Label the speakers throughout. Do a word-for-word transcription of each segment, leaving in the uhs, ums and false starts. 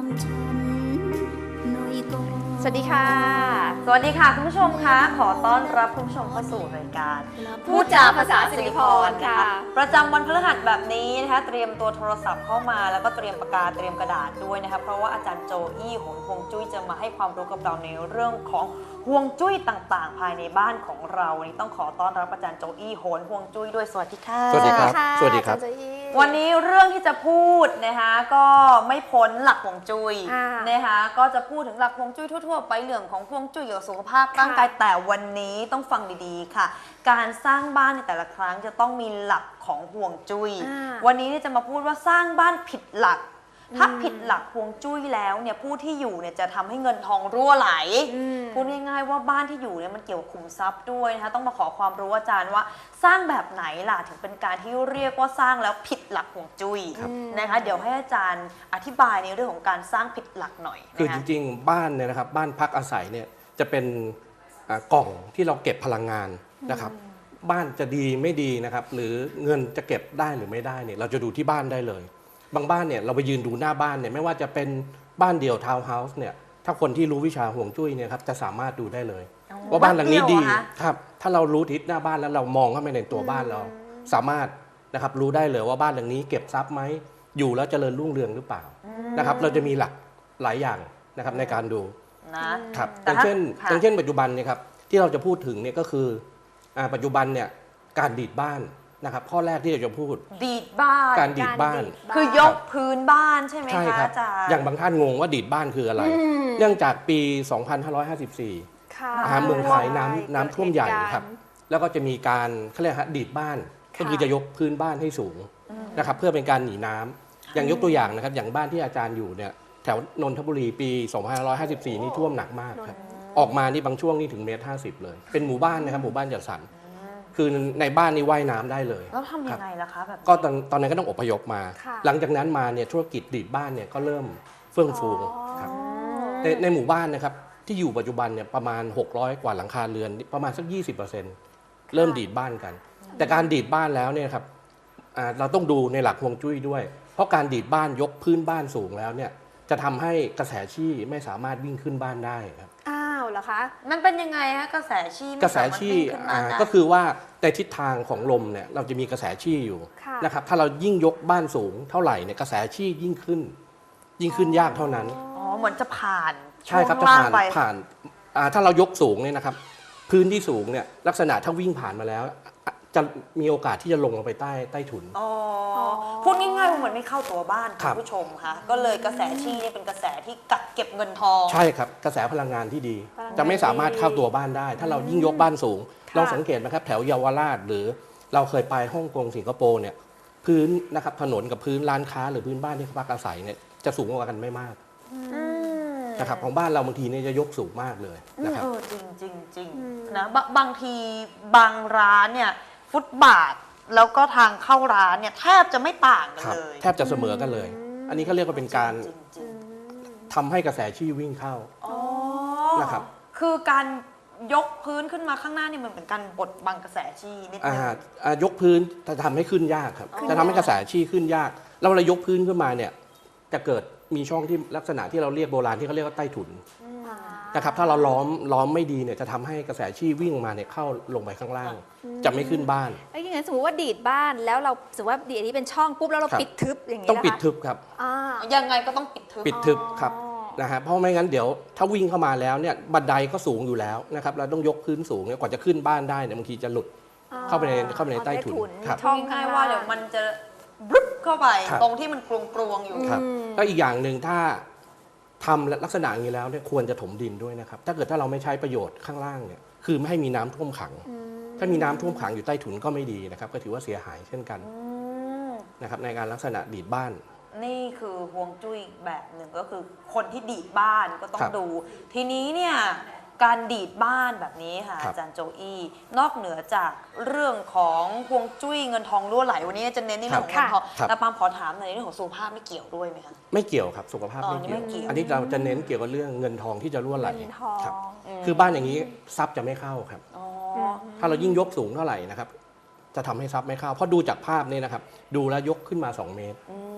Speaker 1: สวัสดีค่ะ
Speaker 2: สวัสดีค่ะคุณผู้ชมคะขอต้อนรับคุณผู้ชมเข้าสู่รายการ
Speaker 1: พูดจาภาษาสิริพรค่ะ
Speaker 2: ประจำวันพฤหัสแบบนี้นะคะเตรียมตัวโทรศัพท์เข้ามาแล้วก็เตรียมปากกาเตรียมกระดาษด้วยนะคะเพราะว่าอาจารย์โจอี้โหนฮวงจุ้ยจะมาให้ความรู้กับเราในเรื่องของฮวงจุ้ยต่างๆ ภายในบ้านของเราวันนี้ต้องขอต้อนรับอาจารย์โจอี้โหนฮวงจุ้ยด้วยสวัสดีค่ะ
Speaker 3: สวัสดีครับสวัสดีครับ
Speaker 2: วันนี้เรื่องที่จะพูดนะคะก็ไม่พ้นหลักฮวงจุ้ยนะคะก็จะพูดถึงหลักฮวงจุ้ยทั่วๆไปเรื่องของฮวงจุ้ยเกี่ยวกับสุขภาพร่างกายแต่วันนี้ต้องฟังดีๆค่ะการสร้างบ้านในแต่ละครั้งจะต้องมีหลักของฮวงจุ้ยวันนี้จะมาพูดว่าสร้างบ้านผิดหลักถ้าผิดหลักฮวงจุ้ยแล้วเนี่ยผู้ที่อยู่เนี่ยจะทำให้เงินทองรั่วไหลพูดง่ายๆว่าบ้านที่อยู่เนี่ยมันเกี่ยวกับขุมทรัพย์ด้วยนะคะต้องมาขอความรู้อาจารย์ว่าสร้างแบบไหนล่ะถึงเป็นการที่เรียกว่าสร้างแล้วผิดหลักฮวงจุ้ยนะคะเดี๋ยวให้อาจารย์อธิบายในเรื่องของการสร้างผิดหลักหน่อย
Speaker 3: คือจริงๆบ้านเนี่ยนะครับบ้านพักอาศัยเนี่ยจะเป็นกล่องที่เราเก็บพลังงานนะครับบ้านจะดีไม่ดีนะครับหรือเงินจะเก็บได้หรือไม่ได้เนี่ยเราจะดูที่บ้านได้เลยบางบ้านเนี่ยเราไปยืนดูหน้าบ้านเนี่ยไม่ว่าจะเป็นบ้านเดี่ยวทาวน์เฮาส์เนี่ยถ้าคนที่รู้วิชาห่วงจุ้ยเนี่ยครับจะสามารถดูได้เลยว่าบ้านหลังนี้ดีครับถ้าเรารู้ทิศหน้าบ้านแล้วเรามองเข้าไปในตัวบ้านเราสามารถนะครับรู้ได้เลยว่าบ้านหลังนี้เก็บทรัพย์ไหมอยู่แล้วเจริญรุ่งเรืองหรือเปล่านะครับเราจะมีหลักหลายอย่างนะครับในการดูนะครับอย่างเช่นอย่างเช่นปัจจุบันเนี่ยครับที่เราจะพูดถึงเนี่ยก็คือปัจจุบันเนี่ยการดีดบ้านนะครับข้อแรกที่เราจะพูด
Speaker 2: ดีดบ้าน
Speaker 3: การดีดบ้าน
Speaker 2: คือยกพื้นบ้านใช่ไหมคะอาจารย์
Speaker 3: อย่างบางท่านงงว่าดีดบ้านคืออะไรเนื่องจากปี สองพันห้าร้อยห้าสิบสี่ เมืองไทยน้ำน้ำท่วมใหญ่ครับแล้วก็จะมีการเขาเรียกฮะดีดบ้านก็คือจะยกพื้นบ้านให้สูงนะครับเพื่อเป็นการหนีน้ำอย่างยกตัวอย่างนะครับอย่างบ้านที่อาจารย์อยู่เนี่ยแถวนนทบุรีปี สองพันห้าร้อยห้าสิบสี่ นี่ท่วมหนักมากครับออกมานี่บางช่วงนี่ถึงเมตรห้าสิบเลยเป็นหมู่บ้านนะครับหมู่บ้านจัดสรรคือในบ้านนี่ว่ายน้ำได้เลย
Speaker 2: แล้วทำยังไงล่ะคะแบบ
Speaker 3: ก็ตอนตอนนั้นก็ต้องอพยพมาหลังจากนั้นมาเนี่ยธุรกิจดีดบ้านเนี่ยก็เริ่มเฟื่องฟูครับในในหมู่บ้านนะครับที่อยู่ปัจจุบันเนี่ยประมาณหกร้อยกว่าหลังคาเรือนประมาณสัก ยี่สิบเปอร์เซ็นต์ เริ่มดีดบ้านกันแต่การดีดบ้านแล้วเนี่ยครับเราต้องดูในหลักฮวงจุ้ยด้วยเพราะการดีดบ้านยกพื้นบ้านสูงแล้วเนี่ยจะทำให้กระแสชี่ไม่สามารถวิ่งขึ้นบ้านได้ครับ
Speaker 1: อ้าวเหรอคะ
Speaker 2: มันเป็นยังไงฮะกระแสชี่
Speaker 3: กระแสชี่ก็คือว่าในทิศทางของลมเนี่ยเราจะมีกระแสชี่อยู่นะครับถ้าเรายิ่งยกบ้านสูงเท่าไหร่เนี่ยกระแสชี่ยิ่งขึ้นยิ่งขึ้นยากเท่านั้น
Speaker 2: อ๋อเหมือนจะผ่าน
Speaker 3: ใช่ครับจะผ่านผ่านถ้าเรายกสูงเนี่ยนะครับพื้นที่สูงเนี่ยลักษณะถ้าวิ่งผ่านมาแล้วจะมีโอกาสที่จะลงลงไปใต้ใต้ถุน
Speaker 2: อ๋อพูดง่ายๆเหมือนไม่เข้าตัวบ้านคุณผู้ชมค่ะก็เลยกระแสชี่เนี่ยเป็นกระแสที่กักเก็บเงินทอง
Speaker 3: ใช่ครับกระแสพลังงานที่ดีจะไม่สามารถเข้าตัวบ้านได้ถ้าเรายิ่งยกบ้านสูงลองสังเกตนะครับแถวเยาวราชหรือเราเคยไปฮ่องกงสิงคโปร์เนี่ยพื้นนะครับถนนกับพื้นร้านค้าหรือพื้นบ้านที่เขาพักอาศัยเนี่ยจะสูงกว่ากันไม่มากนะครับของบ้านเราบางทีเนี่ยจะยกสูงมากเลยนะครับ
Speaker 2: เออจริงจริงจริงนะบางทีบางร้านเนี่ยฟุตบาทแล้วก็ทางเข้าร้านเนี่ยแทบจะไม่ต่างกันเลย
Speaker 3: แทบจะเสมอกันเลยอันนี้เขาเรียกว่าเป็นการทำให้กระแสชี่วิ่งเข้านะครับ
Speaker 2: คือการยกพื้นขึ้นมาข้างหน้านี่มันเป็นการบดบังกระแสชี่นิดนึง
Speaker 3: ยกพื้นจะทำให้ขึ้นยากครับจะทำให้กระแสชี่ขึ้นยากแล้วเรายกพื้นขึ้นมาเนี่ยจะเกิดมีช่องที่ลักษณะที่เราเรียกโบราณที่เขาเรียกว่าใต้ถุนนะครับถ้าเราล้อมล้อมไม่ดีเนี่ยจะทำให้กระแสชี่วิ่งมาเนี่ยเข้าลงไปข้างล่างจะไม่ขึ้นบ้าน
Speaker 1: แล้วอย่างนั้นสมมติว่าดีดบ้านแล้วเราสมมติว่าดีดอันนี้เป็นช่องปุ๊บแล้วเราปิดทึบอย่างนี้
Speaker 3: ต้องปิดทึบครับ
Speaker 2: ยังไงก็ต้องปิดทึบ
Speaker 3: ปิดทึบครับนะฮะเพราะไม่งั้นเดี๋ยวถ้าวิ่งเข้ามาแล้วเนี่ยบันไดก็สูงอยู่แล้วนะครับเราต้องยกพื้นสูงเนี่ยกว่าจะขึ้นบ้านได้เนี่ยบางทีจะหลุดเข้าไปในเข้าไปในใต้ถุน
Speaker 2: ครับช่องง่ายว่าเดี๋ยวมันจะบึ๊บเข้าไปตรงที่มันกลวงๆอยู่
Speaker 3: ครับแล้วอีกอย่างหนึ่งถ้าทำลักษณะอย่างนี้แล้วเนี่ยควรจะถมดินด้วยนะครับถ้าเกิดถ้าเราไม่ใช้ประโยชน์ข้างล่างเนี่ยคือไม่ให้มีน้ำท่วมขังถ้ามีน้ำท่วมขังอยู่ใต้ถุนก็ไม่ดีนะครับก็ถือว่าเสียหายเช่นกันนะครับในการลักษณะดีดบ้าน
Speaker 2: นี่คือฮวงจุ้ยแบบหนึ่งก็คือคนที่ดีดบ้านก็ต้องดูทีนี้เนี่ยการดีดบ้านแบบนี้ค่ะอาจารย์โจอี้นอกเหนือจากเรื่องของฮวงจุ้ยเงินทองรั่วไหลวันนี้จะเน้นในเรื่องของเงินทองแต่ปามขอถามในเรื่องของสุขภาพไม่เกี่ยวด้วยไหมคะ
Speaker 3: ไม่เกี่ยวครับสุขภาพไม่เกี่ยวอันนี้เราจะเน้นเกี่ยวกับเรื่องเงินทองที่จะรั่วไหลครับคือบ้านอย่างนี้ทรัพย์จะไม่เข้าครับถ้าเรายิ่งยกสูงเท่าไหร่นะครับจะทำให้ทรัพย์ไม่เข้าเพราะดูจากภาพนี่นะครับดูแล้วยกขึ้นมาสองเมตร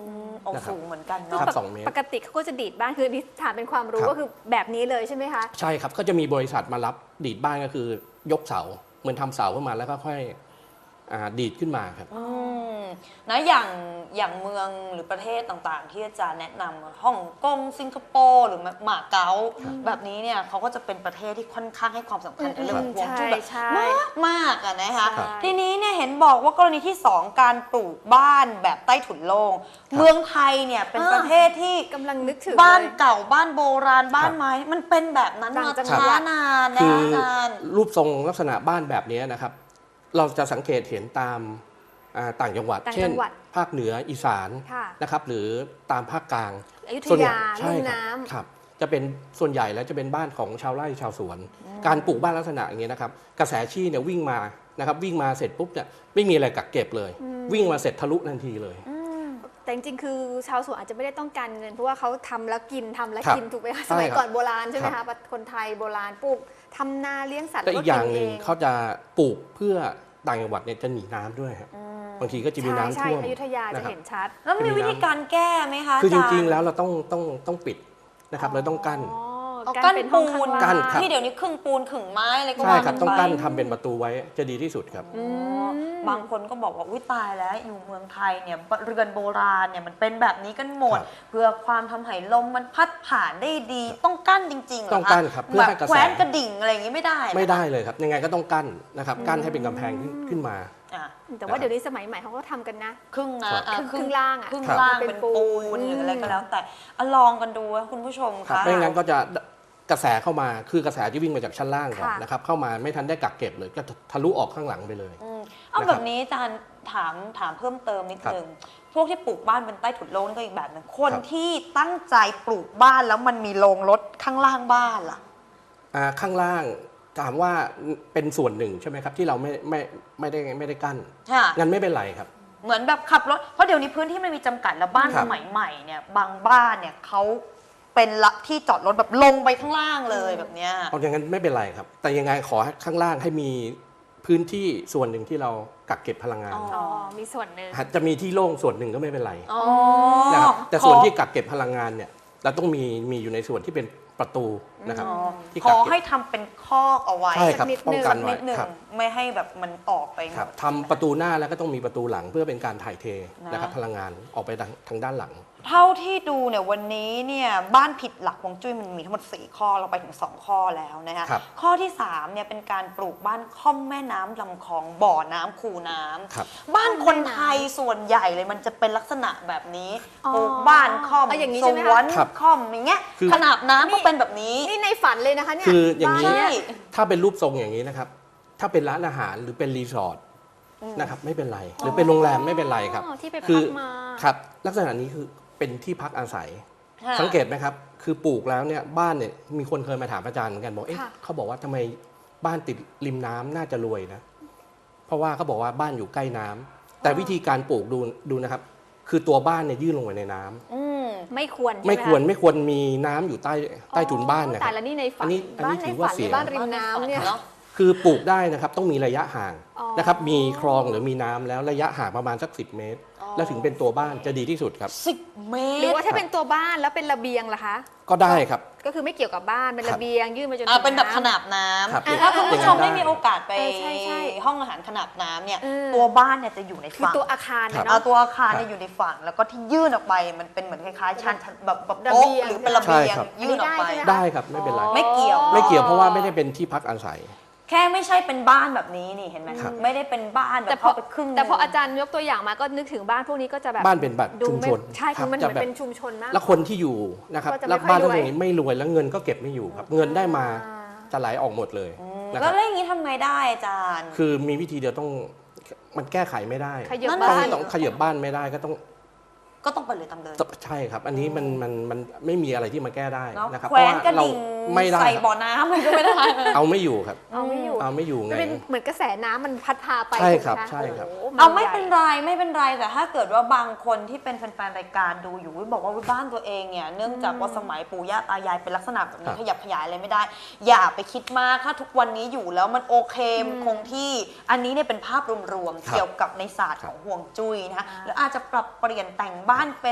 Speaker 2: เอา
Speaker 3: นะครับ
Speaker 2: สูงเหมือนกัน
Speaker 3: ค
Speaker 2: เนาะ
Speaker 3: รับสองเมตร
Speaker 1: ปกติเขาก็จะดีดบ้านคือนี่ถามเป็นความรู้
Speaker 3: ครับ
Speaker 1: ก็คือแบบนี้เลยใช่ไหมคะ
Speaker 3: ใช่ครับก็จะมีบริษัทมารับดีดบ้านก็คือยกเสาเหมือนทำเสาขึ้นมาแล้วก็ค่อยอ่าดีดขึ้นมาครับ
Speaker 2: อืมนะอย่างอย่างเมืองหรือประเทศต่างๆ ที่อาจารย์แนะนำฮ่องกงสิงคโปร์หรือหมาเก๊าแบบนี้เนี่ยเขาก็จะเป็นประเทศที่ค่อนข้างให้ความสำคัญกับเรื่องของฮวงจุ้ยแบบ
Speaker 1: ใช่
Speaker 2: มากมากอะนะคะ
Speaker 1: ใช่
Speaker 2: ทีนี้เนี่ยเห็นบอกว่ากรณีที่สองการปลูกบ้านแบบใต้ถุนโล่งเมืองไทยเนี่ยเป็นประเทศที่
Speaker 1: กำลังนึกถึง
Speaker 2: บ้าน
Speaker 1: เลย
Speaker 2: เก่าบ้านโบราณบ้านไม้มันเป็นแบบนั้น
Speaker 1: ต่าง
Speaker 2: มา
Speaker 1: จังหวัด
Speaker 2: ช้านานนะ
Speaker 3: คือ
Speaker 2: อาจารย์
Speaker 3: รูปทรงลักษณะบ้านแบบนี้นะครับ เราจะสังเกตเห็นตามอ่าต่างจังหวัด
Speaker 1: ต่าง
Speaker 3: เช่น
Speaker 1: จังหวัด
Speaker 3: ภาคเหนืออีสาน
Speaker 1: ค่ะ
Speaker 3: นะครับ หรือตามภาคกลาง
Speaker 1: อยุธ
Speaker 3: ส่วนใหญ่
Speaker 1: ยา
Speaker 3: ใช่
Speaker 1: ลุ่ม
Speaker 3: ครับ
Speaker 1: น้ำ
Speaker 3: ครับ จะเป็นส่วนใหญ่แล้วจะเป็นบ้านของชาวไร่ชาวสวน การปลูกบ้านลักษณะอย่างนี้ยนะครับ กระแสชี่เนี่ยวิ่งมานะครับวิ่งมาเสร็จปุ๊บเนี่ยไม่มีอะไรกักเก็บเลย วิ่งมาเสร็จทะลุทันทีเลย
Speaker 1: แต่จริงๆ คือชาวสวนอาจจะไม่ได้ต้องการเงิน เพราะว่าเขาทำแล้วกินทำแล้ว
Speaker 3: ครับ
Speaker 1: กินถูกไหมคะ
Speaker 3: ใช่
Speaker 1: สมัย
Speaker 3: ครับ
Speaker 1: ก่อนโบราณใช่ไหม
Speaker 3: ครั
Speaker 1: คะ
Speaker 3: บ
Speaker 1: คนไทยโบราณปลูกทำนาเลี้ยงสัตว์
Speaker 3: และอีกอย่างหนึ่ง
Speaker 1: แล้วก็
Speaker 3: เขาจะปลูกเพื่อต่างจังหวัดเนี่ยจะหนีน้ำด้วยครับบางทีก็จะมี
Speaker 1: ใช่
Speaker 3: น้ำ
Speaker 1: ใช่
Speaker 3: ท่วม
Speaker 1: อยุธยาจะ
Speaker 3: นะครับ
Speaker 1: เห็นชัด
Speaker 2: แล้วมีวิธีการแก้ไหมคะ
Speaker 3: คือจ
Speaker 2: าาย์
Speaker 3: ริงๆ แล้วเราต้องต้องต้องปิดนะครับเราต้องกั้น
Speaker 1: อ๋อ
Speaker 2: เอา
Speaker 1: กั้
Speaker 2: กั้
Speaker 1: น
Speaker 2: น
Speaker 1: เป็นห้อง
Speaker 2: ปู
Speaker 1: ข้าง
Speaker 2: น
Speaker 1: ล่าง
Speaker 3: กั้นครับ
Speaker 2: ที่เดี๋ยวนี้ครึ่งปูนครึ่งไม้อะไรก็
Speaker 3: ใช่
Speaker 2: ว่า
Speaker 3: ครับ
Speaker 2: กั
Speaker 3: ต้อง
Speaker 2: ไป
Speaker 3: กั้นทำเป็นประตูไว้จะดีที่สุดครับ
Speaker 2: อ๋อบางคนก็บอกว่าอุ้ยตายแล้วอยู่เมืองไทยเนี่ยเรือนโบราณเนี่ยมันเป็นแบบนี้กันหมด
Speaker 3: ครับ
Speaker 2: เพื่อความทำให้ลมมันพัดผ่านได้ดี ต้องกั้นจริงๆเหรอคะ
Speaker 3: ต้องกั้นครับเพื่อให้กระแส
Speaker 2: แขวนกระดิ่งอะไรอย่างงี้ไม่ได้นะ
Speaker 3: ไม่ได้เลยครับ ยังไงก็ต้องกั้นนะครับกั้นให้เป็นกำแพงขึ้นขึ้นมา
Speaker 2: อ่ะ
Speaker 1: แต่ว่าเดี๋ยวนี้สมัยใหม่เขาก็ทำกันนะ
Speaker 2: ครึ่งนะครับ อ่ะ
Speaker 1: ครึ่งครึ่งล่างอ่ะ
Speaker 2: ครึ่ง
Speaker 3: ครับ
Speaker 2: ล่าง
Speaker 1: เป็
Speaker 2: เป็น
Speaker 1: นปู
Speaker 2: ปูน
Speaker 1: น
Speaker 2: หรืออะไรก็แล้วแต่อ่ะลองกันดูนะคุณผู้ชม
Speaker 3: ครับ
Speaker 2: ค่ะ
Speaker 3: ไม่งั้นก็จะกระแสเข้ามาคือกระแสที่วิ่งมาจากชั้นล่างก่อน
Speaker 1: ค่ะ
Speaker 3: นะครับเข้ามาไม่ทันได้กักเก็บเลยก็ทะลุออกข้างหลังไปเลย
Speaker 2: อืมเอา
Speaker 3: นะครับ
Speaker 2: แบบนี้อาจารย์ถามถามเพิ่มเติมนิด
Speaker 3: ครับ
Speaker 2: นึงพวกที่ปลูกบ้านเป็นใต้ถุนโล่งนี่ก็อีกแบบหนึงคน
Speaker 3: ครับ
Speaker 2: ที่ตั้งใจปลูกบ้านแล้วมันมีโรงรถข้างล่างบ้านล่ะ
Speaker 3: อ่าข้างล่างถามว่าเป็นส่วนหนึ่งใช่ไหมครับที่เราไม่ไม่ไม่ได้ไม่ได้กั้น
Speaker 2: ค่ะ
Speaker 3: งั้นไม่เป็นไรครับ
Speaker 2: เหมือนแบบขับรถเพราะเดี๋ยวนี้พื้นที่มันมีจำกัดแล้วบ้าน
Speaker 3: ครั
Speaker 2: ส
Speaker 3: บ
Speaker 2: มัยใหม่เนี่ยบางบ้านเนี่ยเขาเป็นละที่จอดรถแบบลงไปข้างล่างเลยแบบเนี้ย
Speaker 3: เอาอย่างนั้นไม่เป็นไรครับ แต่ยังไงขอให้ข้างล่างให้มีพื้นที่ส่วนหนึ่งที่เรากักเก็บพลังงาน
Speaker 2: อ๋อ
Speaker 1: อ๋อ มีส่วนหนึ่ง
Speaker 3: จะมีที่โล่งส่วนหนึ่งก็ไม่เป็นไร
Speaker 2: อ๋อ
Speaker 3: นะครับแต่ส่วนที่
Speaker 2: ขอ
Speaker 3: กักเก็บพลังงานเนี่ยเราต้องมีมีอยู่ในส่วนที่เป็นประตูนะครับ
Speaker 2: อ๋อ
Speaker 3: ที่
Speaker 2: ข
Speaker 3: กัก
Speaker 2: อ
Speaker 3: เก็บ
Speaker 2: ให้ทำเป็นคอกเอาไว้
Speaker 3: ใช่ครับ
Speaker 1: นิดนึง
Speaker 3: ป้องกัน
Speaker 2: นิ
Speaker 3: ไว้
Speaker 2: ดหนึ่ง
Speaker 3: ครับ
Speaker 2: ไม่ให้แบบมันออกไป
Speaker 3: ครับทำประตูหน้าแล้วก็ต้องมีประตูหลังเพื่อเป็นการถ่ายเท
Speaker 2: นะ
Speaker 3: นะครับพลังงานออกไปทางทางด้านหลัง
Speaker 2: เท่าที่ดูเนี่ยวันนี้เนี่ยบ้านผิดหลักฮวงจุ้ยมันมีทั้งหมดสี่ข้อเราไปถึงสองข้อแล้วนะคะ
Speaker 3: ครับ
Speaker 2: ข้อที่สามเนี่ยเป็นการปลูกบ้านค่อมแม่น้ำลำคลองบ่อน้ำคูน้ำ
Speaker 3: ครับ
Speaker 2: บ้านคนไทยส่วนใหญ่เลยมันจะเป็นลักษณะแบบนี้
Speaker 1: อ๋อ
Speaker 2: ปลูกบ้านค่อม
Speaker 1: เอาอย่างนี้
Speaker 2: ส
Speaker 1: ใช่ไหมคะ
Speaker 2: วน
Speaker 3: ครับ
Speaker 2: ค่อมอย่างเงี้ย
Speaker 3: คือ
Speaker 2: ขนาบน้ำก็เป็นแบบนี้
Speaker 1: นี่ในฝันเลยนะคะเนี่ย
Speaker 3: คืออย่างนี้
Speaker 1: บ้
Speaker 2: ใช่
Speaker 3: ถ้าเป็นรูปทรงอย่างนี้นะครับ ถ้าเป็นร้านอาหารหรือเป็นรีสอร์ทนะครับไม่เป็นไร หรือเป็นโรงแรมไม่เป็นไรครับ
Speaker 1: อ๋อที่ไป
Speaker 3: คื
Speaker 1: พักมา
Speaker 3: ครับลักษณะนี้คือเป็นที่พักอาศัย
Speaker 2: ค่ะ
Speaker 3: สังเกตไหมครับ คือปลูกแล้วเนี่ยบ้านเนี่ยมีคนเคยมาถามอาจารย์เหมือนกันบอกเอ๊ะ
Speaker 1: ค่ะ
Speaker 3: เขาบอกว่าทำไมบ้านติดริมน้ำน่าจะรวยนะ เพราะว่าเขาบอกว่าบ้านอยู่ใกล้น้ำแต่วิธีการปลูกดูดูนะครับ คือตัวบ้านเนี่ยยื่นลงไปในน้ำ
Speaker 2: อืม
Speaker 1: ไม่ควรใช่ห
Speaker 3: ไม่ควร
Speaker 1: ะ
Speaker 3: ไม่ควรมีน้ำอยู่ใต้ใต้ถุนบ้านนะค
Speaker 1: แต่
Speaker 3: รับ
Speaker 1: ละนี่ในฝั
Speaker 3: อั
Speaker 1: น
Speaker 3: นนี้อันนี้
Speaker 1: บ้านใน
Speaker 3: ถือว่า
Speaker 1: ฝัน
Speaker 3: เสี
Speaker 1: ใน
Speaker 3: ย
Speaker 1: บ้านริมน้ำเนี่ย
Speaker 2: เนาะ
Speaker 3: คือปลูกได้นะครับต้องมีระยะห่าง
Speaker 1: อ๋อ
Speaker 3: นะครับมีคลองหรือมีน้ำแล้วระยะห่างประมาณสักสิบเมตร
Speaker 2: อ๋อ
Speaker 3: แล้วถึงเป็นตัวบ้านจะดีที่สุดครับ
Speaker 2: สิบเม
Speaker 1: หรือ
Speaker 2: ตร
Speaker 1: ว่าถ้าเป็นตัวบ้านแล้วเป็นระเบียงล่ะคะ
Speaker 3: ก็ได้ครับ
Speaker 1: ก็คือไม่เกี่ยวกับบ้านเป็น
Speaker 3: ครับ
Speaker 1: ระเบียงยื่นมาจน
Speaker 2: อ่า
Speaker 1: ถึง
Speaker 2: เป็นแบบข
Speaker 1: ำ
Speaker 2: นาบน้
Speaker 3: ครับ
Speaker 2: ำถ้าคุณผู้ชม
Speaker 3: อย่างนั้น
Speaker 2: ได้มีโอกาสไป
Speaker 1: เออใช่ใช่
Speaker 2: ห้องอาหารขนาบน้ำเนี่ย
Speaker 1: เออ
Speaker 2: ตัวบ้านเนี่ยจะอยู่ใน
Speaker 1: คือ
Speaker 2: ฝั่ง
Speaker 1: ตัวอาคาร
Speaker 3: ครับ
Speaker 1: เนี่ย
Speaker 2: เอา
Speaker 1: เนาะ
Speaker 2: ตัวอาคารเนี่ยอยู่ในฝั่งแล้วก็ที่ยื่นออกไปมันเป็นเหมือนคล้ายๆชั้นแบบแบบ
Speaker 1: ระ
Speaker 2: โต๊ะ
Speaker 1: เบียง
Speaker 2: หรือเป็นระเบียง
Speaker 3: ใช่ครับ
Speaker 2: ยื่นออกไป
Speaker 1: อันนี้ได้ใช่ไหม
Speaker 3: ได้ครับไม่เป็นไร
Speaker 2: ไม่เกี่ยว
Speaker 3: ไม่เกี่ยวเพราะว่าไม่ได้เป็นที่พักอาศัย
Speaker 2: แค่ไม่ใช่เป็นบ้านแบบนี้นี่เห็นไหม
Speaker 3: ครับ
Speaker 2: ไม่ได้เป็นบ้านแบ
Speaker 1: แต่
Speaker 2: บ
Speaker 1: พอ
Speaker 2: เข้าไปครึ่ง
Speaker 1: แต่พออาจารย์ยกตัวอย่างมาก็นึกถึงบ้านพวกนี้ก็จะแบบ
Speaker 3: บ้านเป็นแบบ
Speaker 1: ดู
Speaker 3: ชุม
Speaker 1: ไม่
Speaker 3: ชน
Speaker 1: ใช่คือมันเห
Speaker 3: จะ
Speaker 1: มือน
Speaker 3: แบบ
Speaker 1: เป็นชุมชนมาก
Speaker 3: แล้วคนที่อยู่นะครับ
Speaker 1: ก็จะไม่
Speaker 3: แล้ว
Speaker 1: ค่อย
Speaker 3: บ้าน
Speaker 1: รวย
Speaker 3: พวกนี้ไม่รวยแล้วเงินก็เก็บไม่อยู่ครับ เงินได้มา
Speaker 1: อ่า
Speaker 3: จะไหลออกหมดเลย
Speaker 2: อืม
Speaker 3: นะค
Speaker 2: แล้
Speaker 3: รั
Speaker 2: ว
Speaker 3: บ
Speaker 2: เรื่องนี้ทำไงได้อาจารย์
Speaker 3: คือมีวิธีเดียวต้องมันแก้ไขไม่ได้
Speaker 1: ขยับ
Speaker 2: นั่น
Speaker 1: บ้า
Speaker 3: ต้อง
Speaker 1: น
Speaker 3: ต้องขยับบ้านไม่ได้ก็ต้อง
Speaker 2: ก็ต้องไปเลยตามเลย
Speaker 3: ใช่ครับ อันนี้มันมันมันไม่มีอะไรที่มาแก้ได้
Speaker 2: เนาะ
Speaker 3: นะครับ
Speaker 2: แขวนกระ
Speaker 3: เรา
Speaker 2: ดิ่ง
Speaker 3: ไม่ได้
Speaker 2: ใส่
Speaker 3: ครับ
Speaker 2: บ่อน้ำอะไรก็ไม่ได้
Speaker 3: เอาไม่อยู่ครับ
Speaker 1: เอาไม่อยู่
Speaker 3: เอาไม่อยู่ไง
Speaker 1: มันเป็นเหมือนกระแสน้ำมันพัดพาไป
Speaker 3: ใช่ครับ
Speaker 1: ถูกไหมะ
Speaker 3: ใช่ครับ
Speaker 1: โโห
Speaker 2: เอาไม่
Speaker 1: ใหญ่
Speaker 2: เป็นไรไม่เป็นไรแต่ถ้าเกิดว่าบางคนที่เป็นแฟนๆรายการดูอยู่บอกว่าบ้านตัวเองเนี่ยเนื่องจากว่าสมัยปู่ย่าตายายเป็นลักษณะแบบ
Speaker 3: ครั
Speaker 2: นี้
Speaker 3: บ
Speaker 2: ขยับขยายอะไรไม่ได้ อย่าไปคิดมากถ้าทุกวันนี้อยู่แล้วมันโอเคมันคงที่อันนี้เนี่ยเป็นภาพรวมๆ
Speaker 3: ครับ
Speaker 2: เกี่ยวกับในศาสตร์
Speaker 3: ครั
Speaker 2: ข
Speaker 3: บ
Speaker 2: องห่วงจุ้ยนะคะแล้วอาจจะปรับเปลี่ยนแต่งบ้านเป็น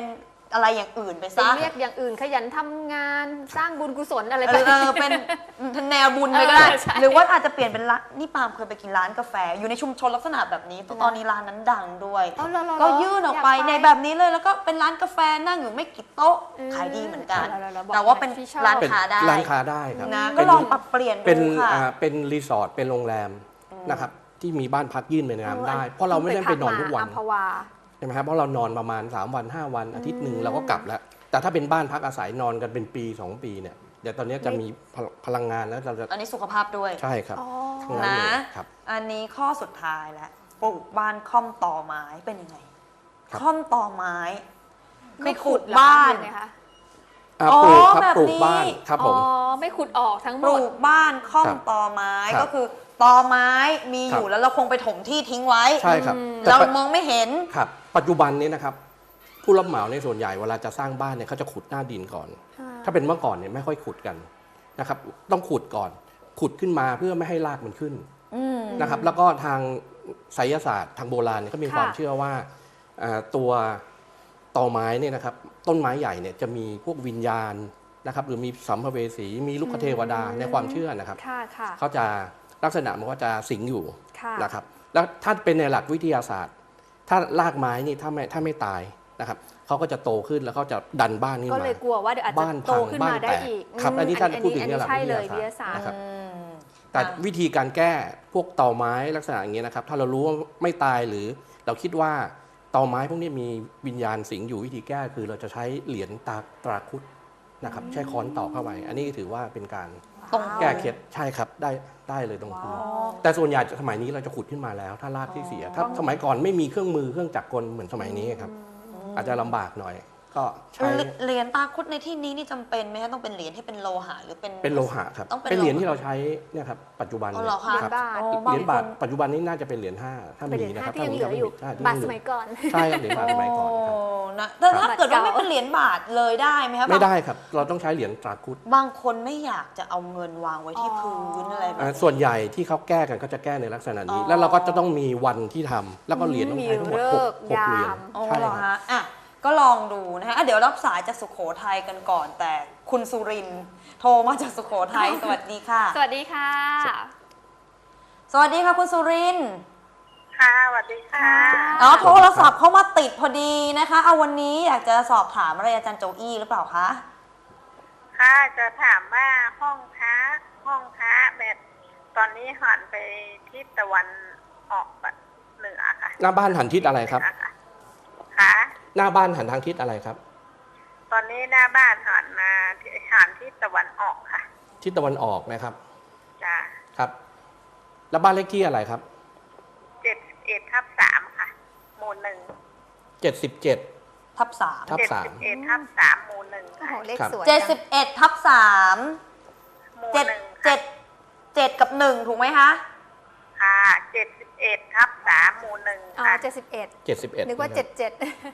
Speaker 2: อะไรอย่างอื่นไป
Speaker 1: เป็น
Speaker 2: ซะ
Speaker 1: เรียกอย่างอื่นขยันทำงานสร้างบุญกุศลอะไร
Speaker 2: เอ
Speaker 1: ไป
Speaker 2: อเออเป็นแนวบุญไปก็ได้
Speaker 1: เออใช่
Speaker 2: หรือว่าอาจจะเปลี่ยนเป็นร้านนี่ปาล์มเคยไปกินร้านกาแฟ อยู่ในชุมชนลักษณะแบบนี้ตอนนี้ร้านนั้นดังด้วย
Speaker 1: เอาเหรอเหรอ
Speaker 2: ก็ยื่นออกไป
Speaker 1: อยากไป
Speaker 2: ในแบบนี้เลยแล้วก็เป็นร้านกาแฟนั่งอยู่ไม่กี่โต๊ะ
Speaker 1: อืม
Speaker 2: ขายดีเหมือนกัน
Speaker 1: เอาเหรอเหรอบอก
Speaker 2: แต่ว่าเป็น
Speaker 1: หน่อยที่ชอบ
Speaker 2: ร้าน
Speaker 3: เป็น
Speaker 2: ค้าได้
Speaker 3: ร้านค้าได้ครับ
Speaker 2: นะ
Speaker 3: เป็
Speaker 2: ก็
Speaker 3: น
Speaker 2: ลองปรับเปลี่ยน
Speaker 3: เป็น
Speaker 2: ดูค่ะ
Speaker 3: อ่าเป็นรีสอร์ทเป็นโรงแรมนะครับที่มีบ้านพักยื่นไปในน้ำได้ เพราะเราไม่ได้ไปนอนทุกวัน
Speaker 1: อัมพวา
Speaker 3: ใช่ไหมครับเพราะเรานอนประมาณสามวันห้าวันอาทิตย์หนึ่งเราก็กลับแล้ว แต่ถ้าเป็นบ้านพักอาศัยนอนกันเป็นปีสองปีเนี่ยเดี๋ยวตอนนี้จะมีพลพลังงานแล้วเราจะ
Speaker 2: อันนี้สุขภาพด้วย
Speaker 3: ใช่ครับ
Speaker 1: อ๋อ
Speaker 3: ทั้งนั้น
Speaker 2: นะ
Speaker 3: เลยครับ
Speaker 2: อันนี้ข้อสุดท้ายแล้วปลูกบ้านค่อมต่อไม้เป็นยังไง
Speaker 3: ครับ
Speaker 2: ค่อมต่อไม้
Speaker 1: ไม่
Speaker 2: คือ
Speaker 1: ขุ
Speaker 2: ขุ
Speaker 1: ด
Speaker 2: ด
Speaker 1: เหรอคะ
Speaker 2: บ้าน
Speaker 1: หรือไงคะ
Speaker 3: อ่า
Speaker 2: อ๋อ
Speaker 3: ปลูกครับ
Speaker 2: แบบ
Speaker 3: ปลูก
Speaker 2: นี้
Speaker 3: บ้านครับผม
Speaker 1: อ๋อไม่ขุดออกทั้งหม
Speaker 2: ปลู
Speaker 1: ด
Speaker 2: กบ้านค่อม
Speaker 3: ครับ
Speaker 2: ต่อไม้
Speaker 3: ครับ
Speaker 2: ก็คือต่อไม้มีอยู่
Speaker 3: ครับ
Speaker 2: แล้วเราคงไปถมที่ทิ้งไว้
Speaker 3: ใช่ครับ
Speaker 1: อืม
Speaker 3: แต่
Speaker 2: เรา
Speaker 3: ปัจ
Speaker 2: มองไม่เห็น
Speaker 3: ครับปัจจุบันนี้นะครับผู้รับเหมาในส่วนใหญ่เวลาจะสร้างบ้านเนี่ยเขาจะขุดหน้าดินก่อน ถ้าเป็นเมื่อก่อนเนี่ยไม่ค่อยขุดกันนะครับต้องขุดก่อน ขุดขึ้นมาเพื่อไม่ให้รากมันขึ้น
Speaker 2: อืม
Speaker 3: นะครับแล้วก็ทางไสยศาสตร์ทางโบราณเนี่ยก็มี
Speaker 1: ค่ะ
Speaker 3: ความเชื่อว่าอ่าตัวตอไม้เนี่ยนะครับต้นไม้ใหญ่เนี่ยจะมีพวกวิญญาณนะครับหรือมีสัมภเวสีมีลูกเทวดาในความเชื่อนะครับ
Speaker 1: ค่ะค่ะ
Speaker 3: เขาจะลักษณะมันก็จะสิงอยู่
Speaker 1: ค่ะ
Speaker 3: นะครับแล้วถ้าเป็นในหลักวิทยาศาสตร์ ถ้ารากไม้นี่ถ้าไม่ถ้าไม่ตายนะครับเขาก็จะโตขึ้นแล้วเขาจะดันบ้านนี้
Speaker 1: ก็
Speaker 3: มา
Speaker 1: เลยกลัวว่าเดี๋ยวอาจจะ
Speaker 3: บ้าน
Speaker 1: โต
Speaker 3: พัง
Speaker 1: ขึ้น
Speaker 3: บ้าน
Speaker 1: มาได้
Speaker 3: แตก
Speaker 1: อีก
Speaker 3: ครับอันนี้ท่าน
Speaker 1: อั
Speaker 3: พูดถึง
Speaker 1: อั
Speaker 3: ในหลัก
Speaker 1: ใช่
Speaker 3: วิท
Speaker 1: เลย
Speaker 3: ยา
Speaker 1: วิทยา
Speaker 3: ศา
Speaker 1: ศา
Speaker 3: สต
Speaker 1: สต
Speaker 3: ร์
Speaker 1: ร์
Speaker 3: นะครับ
Speaker 2: อืม
Speaker 3: แต่วิธีการแก้พวกตอไม้ลักษณะอย่างเงี้ยนะครับ ถ้าเรารู้ว่าไม่ตายหรือเราคิดว่าตอไม้พวกนี้มีวิญญาณสิงอยู่วิธีแก้คือเราจะใช้เหรียญตาตราคุดนะครับใช้ค้อนตอกเข้าไปอันนี้ถือว่าเป็นการ
Speaker 2: ตรง
Speaker 3: แก้เคล็ดใช่ครับได้ได้เลยตรงพื้น
Speaker 2: อ๋อ
Speaker 3: แต่ส่วนใหญ่สมัยนี้เราจะขุดขึ้นมาแล้ว ถ้ารากที่เสียถ้าสมัยก่อนไม่มีเครื่องมือเครื่องจักรกลเหมือนสมัยนี้ครับอาจจะลำบากหน่อย ก็ใช้
Speaker 2: เหรียญตาคุดในที่นี้นี่จำเป็นไหมคะต้องเป็นเหรียญที่เป็นโลหะหรือเป็น
Speaker 3: เป็นโลหะครับ
Speaker 2: ต้องเป็น
Speaker 3: เป็นเหรียญ
Speaker 2: โลหะ
Speaker 3: ที่เราใช้เนี่ยครับปัจจุบัน
Speaker 2: อ๋อ
Speaker 3: เนี่ย
Speaker 2: เหรอคะ
Speaker 3: ครับ
Speaker 1: บาท
Speaker 2: อ๋อ
Speaker 3: เหรียญบาท
Speaker 2: บางคน
Speaker 3: ปัจจุบันนี้น่าจะเป็นเหรียญห้าถ้า
Speaker 1: เป็นเห
Speaker 3: มี
Speaker 1: รียญ
Speaker 3: นะค
Speaker 1: ห้า
Speaker 3: รับ
Speaker 1: ที่ยังเหลืออยู่
Speaker 3: ใช่ที่
Speaker 1: บาท
Speaker 3: ง
Speaker 1: ส
Speaker 3: เหลื
Speaker 1: มัยก่อน
Speaker 3: ใช่ครับเหรียญบาทสมัยก่อนครับ
Speaker 2: โนะแต่ถ้าเกิดว่า
Speaker 1: บาท
Speaker 2: ไม่
Speaker 1: เก่า
Speaker 2: เป็นเหรียญบาทเลยได้ไหมคะ
Speaker 3: ไม่ได้ครับ เราต้องใช้เหรียญตราคุด
Speaker 2: บางคนไม่อยากจะเอาเงินวางไว้ที่พื้นอะไรแบบ
Speaker 3: อ่า
Speaker 2: นี้
Speaker 3: ส่วนใหญ่ที่เขาแก้กันก็จะแก้ในลักษณะนี้
Speaker 2: อ๋อ
Speaker 3: แล้วเราก็จะต้องมีวันที่ทำแล้วก็เหรียญต้องใช้ทั้งหมดหก
Speaker 1: มี
Speaker 3: หก
Speaker 1: ฤกษ์
Speaker 3: เหรียญ
Speaker 1: ยาม
Speaker 2: อ๋อ
Speaker 3: ใช่
Speaker 2: เหรอ
Speaker 3: ครับ
Speaker 2: ฮะอ่ะก็ลองดูนะคะอ่ะเดี๋ยวรับสายจากสุโขทัยกันก่อน แต่คุณสุรินทร์โทรมาจากสุโขทัย สวัสดีค่ะ
Speaker 1: สวัสดีค่ะ
Speaker 2: สวัสดีค่ะคุณสุรินทร์
Speaker 4: ค่ะสวัสดีค่ะ
Speaker 2: อ๋อโทรศัพท์เข้ามาติดพอดีนะคะเอาวันนี้อยากจะสอบถามอะไรอาจารย์โจอี้หรือเปล่าคะ
Speaker 4: ค่ะจะถามว่าห้องพระห้องพระแบบตอนนี้หันไปทิศตะวันออกแบบเหนือค่ะ
Speaker 3: หน้าบ้านหันทิศอะไรครับ
Speaker 4: เหนือค่ะค่ะ
Speaker 3: หน้าบ้านหันทางทิศอะไรครับ
Speaker 4: ตอนนี้หน้าบ้านหันมาหันทิศตะวันออกค่ะ
Speaker 3: ทิศตะวันออกนะครับ
Speaker 4: จ้ะ
Speaker 3: ครับ แล้วบ้านเลขที่อะไรครับ
Speaker 4: เจ็ดเอ็ดทับสามค่ะหมู่หนึ่ง
Speaker 3: เจ็ดสิบเจ็ด
Speaker 2: ทับสาม
Speaker 3: ทับ
Speaker 4: เจ็ด
Speaker 3: สาม
Speaker 4: สิบเอ็ดทับสามหมู่หนึ่ง
Speaker 1: โอ้
Speaker 4: ค่ะ
Speaker 1: โหเลข
Speaker 3: ครับ
Speaker 1: สวย
Speaker 2: เจ็ดสิบเอ็ดทับสาม
Speaker 4: หมู่
Speaker 2: เจ็ด
Speaker 4: หนึ่ง
Speaker 2: เจ็ดเจ็ดกับหนึ่งถูกไหมคะ
Speaker 4: ค่ะเจ็ดสิบเอ็ดทับสามหมู่หนึ่ง
Speaker 1: อ๋อ
Speaker 4: ค่ะ
Speaker 1: เจ็ดสิบเอ็ด
Speaker 3: เจ็ดสิบเอ็ด
Speaker 1: นึกว่าเจ็ดเจ็ด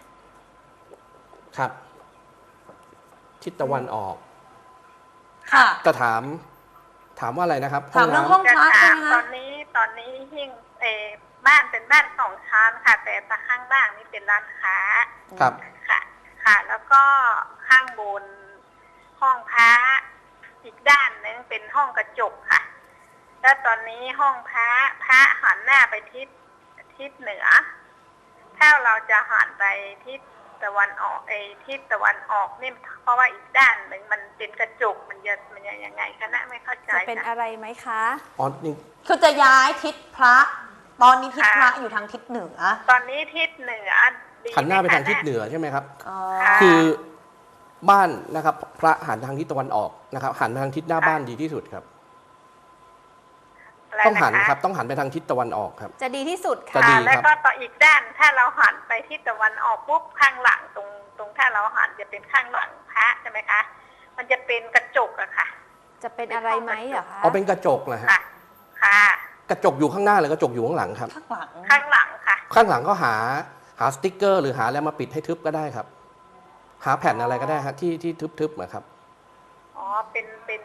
Speaker 3: ครับ ทิศตะวันออก
Speaker 2: ค่ะ
Speaker 3: จะถามถามว่าอะไรนะครับ
Speaker 2: ถามเรื่องห้
Speaker 3: น้ำ
Speaker 2: อง
Speaker 4: จะ
Speaker 2: พระ
Speaker 4: ถา
Speaker 2: ใช่
Speaker 4: ม
Speaker 2: ไหม
Speaker 4: ตอ
Speaker 2: คะ
Speaker 4: นนี้ตอนนี้หิ้งเออบ้านเป็นบ้านสองชั้นค่ะ แต่ตะข้างล่างนี่เป็นร้านค้า
Speaker 3: ครับ
Speaker 4: ค่ะ ค่ะ แล้วก็ข้างบนห้องพระอีกด้านหนึงเป็นห้องกระจกค่ะ แล้วตอนนี้ห้องพระพระหันหน้าไปทิศทิศเหนือ ถ้าเราจะหันไปทิศตะวันออกเออทิศตะวันออกนี่เพราะว่าอีกด้านหนึ่งมันเป็นกระจกมันจะมันจะยังไงคะนะไม่เข้าใจ
Speaker 1: จะเป็น
Speaker 4: ค่ะ
Speaker 1: อะไรไหมคะ
Speaker 3: อ๋อนี่
Speaker 2: คือจะย้ายทิศพระ ตอนนี้ทิศพระอยู่ทางทิศเหนือ
Speaker 4: ตอนนี้ทิศเหนือดี
Speaker 3: หันหน้าไป
Speaker 4: มคะ
Speaker 3: ทางทิศเหนือใช่ไหมครับ
Speaker 2: อ๋อ
Speaker 4: ค่ะ
Speaker 3: คือบ้านนะครับ พระหันทางทิศตะวันออกนะครับ หันไปทางทิศหน้าบ้านดีที่สุดครับ
Speaker 4: อะไร
Speaker 3: ต้องหัน
Speaker 4: นะะ
Speaker 3: ครับ ต้องหันไปทางทิศตะวันออกครับ
Speaker 1: จะดีที่สุด
Speaker 3: จะ
Speaker 1: ค่ะ
Speaker 3: ดี
Speaker 4: ค่ะแล้ว
Speaker 3: ครับ
Speaker 4: ก็ต่ออีกด้านถ้าเราหันไปทิศตะวันออกปุ๊บข้างหลังตรงตรงถ้าเราหันจะเป็นข้างหลังพระใช่ไหมคะ มันจะเป็นกระจกอะค่ะ
Speaker 1: จะเป็นอะไรไหมเหรอคะ
Speaker 3: เอาเป็นกระจกนะฮะ
Speaker 4: ค่ะ ค่ะ
Speaker 3: กระจกอยู่ข้างหน้าหรือกระจกอยู่ข้างหลังครับ
Speaker 2: ข้างหลัง
Speaker 4: ข้างหลังค่ะ
Speaker 3: ข้างหลังก็หาหาสติ๊กเกอร์ หรือหาอะไรมาปิดให้ทึบก็ได้ครับ หาแผ่นอะไรก็ได้ครับที่ที่ทึบๆนะครับ
Speaker 4: อ๋อเป็นเป็นไอ